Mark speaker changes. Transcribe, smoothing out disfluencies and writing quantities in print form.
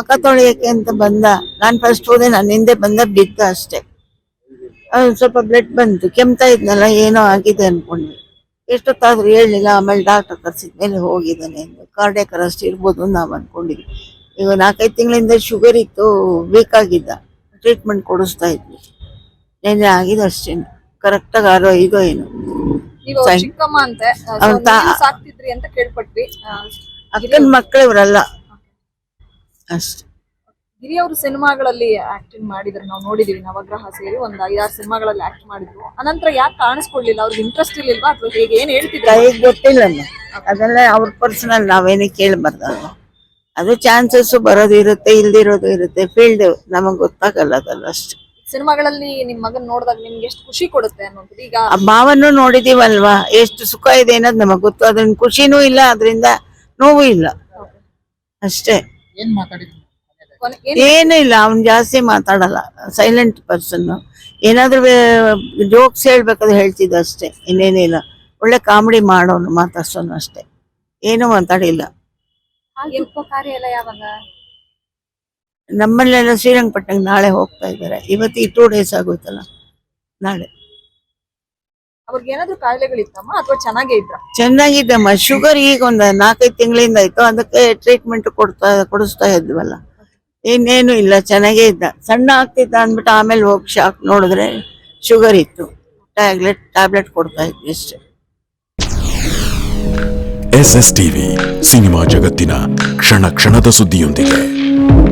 Speaker 1: ಮುಖ ತೊಳೆಯಕ್ಕೆ ಅಂತ ಬಂದ. ನಾನು ಫಸ್ಟ್ ಹೋದೆ, ನಾನು ಹಿಂದೆ ಬಂದ, ಬಿದ್ದ ಅಷ್ಟೇ. ಸ್ವಲ್ಪ ಬ್ಲಡ್ ಬಂತು, ಕೆಮ್ತಾ ಇದ್ನಲ್ಲ, ಏನೋ ಆಗಿದೆ ಅನ್ಕೊಂಡ್ವಿ. ಎಷ್ಟೊತ್ತಾದ್ರೂ ಹೇಳಲಿಲ್ಲ. ಆಮೇಲೆ ಡಾಕ್ಟರ್ ಕರ್ಸಿದ್ಮೇಲೆ ಹೋಗಿದ್ದಾನೆ ಎಂದು. ಕಾರ್ಡಿಯಾಕ್ ಅರೆಸ್ಟ್ ಇರ್ಬೋದು ನಾವು ಅನ್ಕೊಂಡಿದ್ವಿ. ಈಗ 4-5 ತಿಂಗಳಿಂದ ಶುಗರ್ ಇತ್ತು, ವೀಕ್ ಆಗಿದ್ದ, ಟ್ರೀಟ್ಮೆಂಟ್ ಕೊಡಿಸ್ತಾ ಇದ್ವಿ. ನೆನ್ನೆ ಆಗಿದೆ ಅಷ್ಟೇ, ಕರೆಕ್ಟಾಗಿ 6-5 ಏನು.
Speaker 2: ನೀವು ಚಿಕ್ಕಮ್ಮ ಅಂತೆ ಸಾಕ್ತಿದ್ರಿ ಅಂತ ಕೇಳ್ಪಟ್ವಿ.
Speaker 1: ಅಕ್ಕನ ಮಕ್ಕಳು ಇವರಲ್ಲ ಅಷ್ಟೇ.
Speaker 2: ಗಿರಿ ಅವರು ಸಿನಿಮಾಗಳಲ್ಲಿ ಆಕ್ಟಿಂಗ್ ಮಾಡಿದ್ರು, ನಾವು ನೋಡಿದೀವಿ. ನವಗ್ರಹ ಸೇರಿ ಒಂದು 5-6 ಸಿನಿಮಾಗಳಲ್ಲಿ ಆಕ್ಟ್ ಮಾಡಿದ್ರು. ಅನಂತರ ಯಾಕೆ ಕಾಣಿಸ್ಕೊಳ್ಳಿಲ್ಲ? ಅವ್ರಿಗೆ ಇಂಟ್ರೆಸ್ಟ್ ಇರ್ಲಿಲ್ವಾ ಅಥವಾ ಹೇಗೆ? ಏನ್ ಹೇಳ್ತಿದ್ರು?
Speaker 1: ಗೊತ್ತಿಲ್ಲಮ್ಮ, ಅದೆಲ್ಲ ಅವ್ರ ಪರ್ಸನಲ್, ನಾವೇನೇ ಕೇಳಬಾರ್ದಲ್ವ. ಅದು ಚಾನ್ಸಸ್ ಬರೋದು ಇರುತ್ತೆ, ಇಲ್ದಿರೋದು ಇರುತ್ತೆ. ಫೀಲ್ಡ್ ನಮಗ್ ಗೊತ್ತಾಗಲ್ಲ ಅದಲ್ಲ ಅಷ್ಟೇ.
Speaker 2: ಸಿನಿಮಾಗಳಲ್ಲಿ ನಿಮ್ ಮಗನ್ ನೋಡಿದಾಗ ನಿಮ್ಗೆ ಎಷ್ಟು ಖುಷಿ ಕೊಡುತ್ತೆ ಅನ್ನೋದು? ಈಗ
Speaker 1: ಆ ಭಾವನೂ ನೋಡಿದೀವಲ್ವಾ, ಎಷ್ಟು ಸುಖ ಇದೆ ಅನ್ನೋದು ನಮಗ್ ಗೊತ್ತು. ಅದ್ರಿಂದ ಖುಷಿನೂ ಇಲ್ಲ, ಅದರಿಂದ ನೋವು ಇಲ್ಲ ಅಷ್ಟೇ. ಏನೂ ಇಲ್ಲ. ಅವ್ನ್ ಜಾಸ್ತಿ ಮಾತಾಡಲ್ಲ, ಸೈಲೆಂಟ್ ಪರ್ಸನ್. ಏನಾದ್ರೂ ಜೋಕ್ಸ್ ಹೇಳ್ಬೇಕಾದ್ರೆ ಹೇಳ್ತಿದ್ದ ಅಷ್ಟೇ, ಇನ್ನೇನಿಲ್ಲ. ಒಳ್ಳೆ ಕಾಮಿಡಿ ಮಾಡೋನು, ಮಾತಾಡ್ಸೋನು ಅಷ್ಟೇ, ಏನು ಮಾತಾಡಿಲ್ಲ.
Speaker 2: ಕಾರ್ಯ ಎಲ್ಲ ಯಾವಾಗ?
Speaker 1: ನಮ್ಮಲ್ಲೆಲ್ಲ ಶ್ರೀರಂಗಪಟ್ಟಣಕ್ಕೆ ನಾಳೆ ಹೋಗ್ತಾ ಇದ್ದಾರೆ. ಇವತ್ತು 2 days ಆಗೋಯ್ತಲ್ಲ, ನಾಳೆ.
Speaker 2: ಅವ್ರಿಗೆ ಏನಾದ್ರು ಕಾಯಿಲೆಗಳಿತ್ತಮ್ಮ ಅಥವಾ ಚೆನ್ನಾಗೇ ಇದ್ರ?
Speaker 1: ಚೆನ್ನಾಗಿದ್ದಮ್ಮ. ಶುಗರ್ ಈಗ ಒಂದು 4-5 ತಿಂಗಳಿಂದ ಆಯ್ತು. ಅದಕ್ಕೆ ಟ್ರೀಟ್ಮೆಂಟ್ ಕೊಡಿಸ್ತಾ ಇದ್ವಲ್ಲ. ಇನ್ನೇನು ಇಲ್ಲ, ಚೆನ್ನಾಗೇ ಇದ್ದ. ಸಣ್ಣ ಆಗ್ತಿದ್ದ ಅಂದ್ಬಿಟ್ಟು ಆಮೇಲೆ ಹೋಗಿ ಶಾಕ್ ನೋಡಿದ್ರೆ ಶುಗರ್ ಇತ್ತು. ಟ್ಯಾಬ್ಲೆಟ್ ಕೊಡ್ತಾ ಇದ್ವಿ ಅಷ್ಟೇ.
Speaker 3: SS TV ಸಿನಿಮಾ ಜಗತ್ತಿನ ಕ್ಷಣ ಕ್ಷಣದ ಸುದ್ದಿಯೊಂದಿಗೆ.